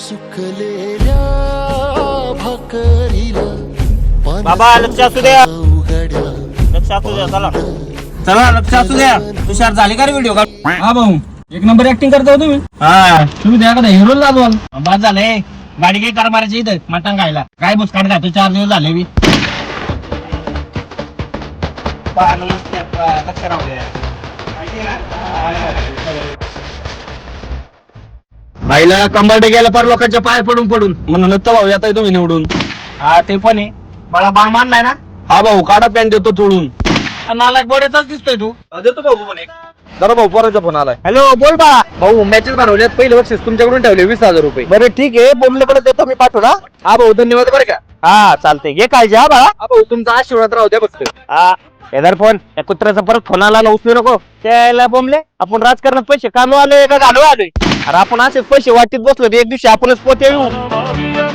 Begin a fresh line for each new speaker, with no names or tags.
सुकलेल्या भाकरीला
बाबा लक्ष असू द्या, लक्ष असू द्या. चला
चला लक्ष असू द्या. तुषार झाले का रे व्हिडिओ का? हा भाऊ एक नंबर ऍक्टिंग करता हो तुम्ही. हा तुम्ही द्या का हिरो ला बोल. बाद झालंय गाडी काही कार मारायची इथं मटण खायला. काय बुसकाट खातो 4 दिवस झाले मी.
बाईला कंबरडे गेला पर लोकांच्या पाय पडून पडून म्हणून तर भाऊ येताय तुम्ही निवडून.
हा ते पण आहे. मला बाण मानलाय ना.
हा भाऊ काढा पॅन्ट देतो तोडून.
नालायक बोड्याचाच दिसतोय तू.
देतो भाऊ पण एक. जरा भाऊ पोराचा फोन आलाय.
हॅलो बोल बा.
भाऊ मॅचेस बनवल्यात पहिले बक्षीस तुमच्याकडून ठेवले 20,000 रुपये.
बरं ठीक आहे बोंबलेकडे देतो मी पाठवला.
हा भाऊ धन्यवाद बरं का.
हा चालते घे काळजी हा बाळा.
हा भाऊ तुमचा आशीर्वाद राहू द्या फक्त.
हा हेदर फोन त्या कुत्र्याचा परत फोन आला ना उचलू नको. त्याला बोंबले आपण राजकारणात पैसे काढू आलोय का घालू आलोय. अरे आपण असेच पैसे वाटीत बसलो एक दिवशी आपणच पोते येऊ.